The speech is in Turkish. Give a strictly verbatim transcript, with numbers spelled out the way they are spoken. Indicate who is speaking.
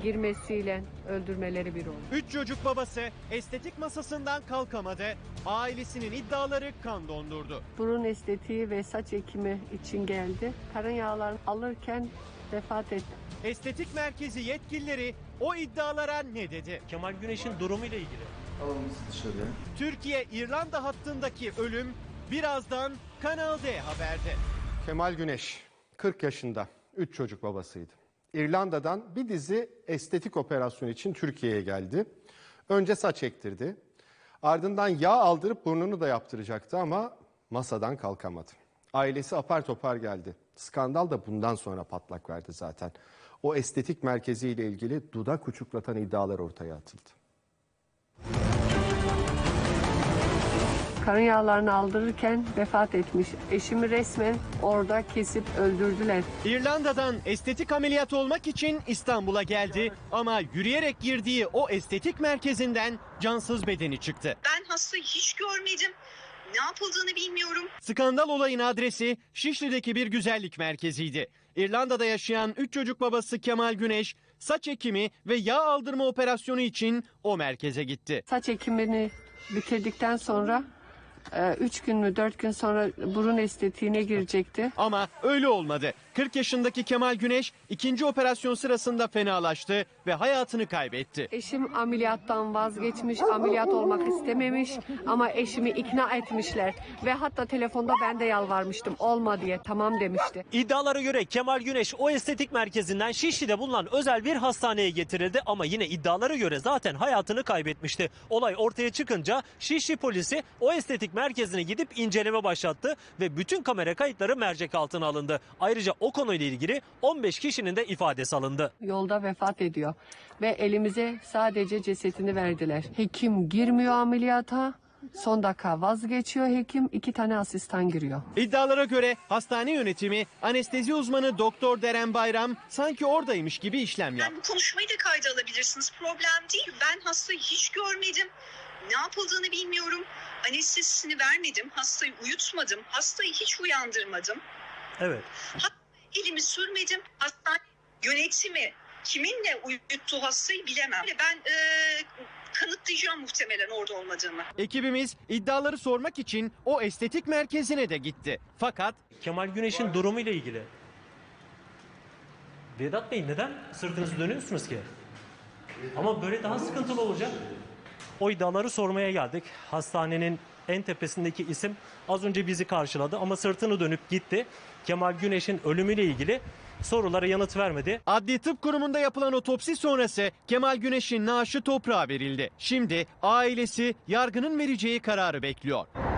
Speaker 1: girmesiyle öldürmeleri bir oldu.
Speaker 2: Üç çocuk babası estetik masasından kalkamadı. Ailesinin iddiaları kan dondurdu.
Speaker 1: Burun estetiği ve saç ekimi için geldi. Karın yağlarını alırken vefat etti.
Speaker 2: Estetik merkezi yetkilileri o iddialara ne dedi?
Speaker 3: Kemal Güneş'in durumuyla ilgili.
Speaker 4: Alalım sizi dışarıya.
Speaker 2: Türkiye-İrlanda hattındaki ölüm birazdan Kanal D Haber'de.
Speaker 5: Kemal Güneş kırk yaşında, üç çocuk babasıydı. İrlanda'dan bir dizi estetik operasyon için Türkiye'ye geldi. Önce saç ektirdi. Ardından yağ aldırıp burnunu da yaptıracaktı ama masadan kalkamadı. Ailesi apar topar geldi. Skandal da bundan sonra patlak verdi zaten. O estetik merkeziyle ilgili dudak uçuklatan iddialar ortaya atıldı.
Speaker 1: Karın yağlarını aldırırken vefat etmiş. Eşimi resmen orada kesip öldürdüler.
Speaker 2: İrlanda'dan estetik ameliyat olmak için İstanbul'a geldi ama yürüyerek girdiği o estetik merkezinden cansız bedeni çıktı.
Speaker 6: Ben hastayı hiç görmedim. Ne yapıldığını bilmiyorum.
Speaker 2: Skandal olayın adresi Şişli'deki bir güzellik merkeziydi. İrlanda'da yaşayan üç çocuk babası Kemal Güneş saç ekimi ve yağ aldırma operasyonu için o merkeze gitti.
Speaker 1: Saç ekimini bitirdikten sonra üç gün mü dört gün sonra burun estetiğine girecekti.
Speaker 2: Ama öyle olmadı. kırk yaşındaki Kemal Güneş ikinci operasyon sırasında fenalaştı ve hayatını kaybetti.
Speaker 1: Eşim ameliyattan vazgeçmiş, ameliyat olmak istememiş ama eşimi ikna etmişler. Ve hatta telefonda ben de yalvarmıştım, olma diye, tamam demişti.
Speaker 3: İddialara göre Kemal Güneş o estetik merkezinden Şişli'de bulunan özel bir hastaneye getirildi ama yine iddialara göre zaten hayatını kaybetmişti. Olay ortaya çıkınca Şişli polisi o estetik merkezine gidip inceleme başlattı ve bütün kamera kayıtları mercek altına alındı. Ayrıca o konuyla ilgili on beş kişinin de ifadesi alındı.
Speaker 1: Yolda vefat ediyor ve elimize sadece cesetini verdiler. Hekim girmiyor ameliyata. Son dakika vazgeçiyor hekim, iki tane asistan giriyor.
Speaker 2: İddialara göre hastane yönetimi anestezi uzmanı Doktor Deren Bayram sanki oradaymış gibi işlem yaptı.
Speaker 6: Yani bu konuşmayı da kayda alabilirsiniz. Problem değil. Ben hastayı hiç görmedim. Ne yapıldığını bilmiyorum. Anestezisini vermedim. Hastayı uyutmadım. Hastayı hiç uyandırmadım.
Speaker 3: Evet.
Speaker 6: Elimi sürmedim. Hastane yönetimi kiminle uyuttu hastayı bilemem. Ben e, kanıtlayacağım muhtemelen orada olmadığımı.
Speaker 2: Ekibimiz iddiaları sormak için o estetik merkezine de gitti. Fakat
Speaker 3: Kemal Güneş'in durumuyla ilgili. Vedat Bey neden sırtınızı dönüyorsunuz ki? Ama böyle daha sıkıntılı olacak. O iddiaları sormaya geldik. Hastanenin en tepesindeki isim az önce bizi karşıladı ama sırtını dönüp gitti. Kemal Güneş'in ölümüyle ilgili sorulara yanıt vermedi.
Speaker 2: Adli Tıp Kurumu'nda yapılan otopsi sonrası Kemal Güneş'in naaşı toprağa verildi. Şimdi ailesi yargının vereceği kararı bekliyor.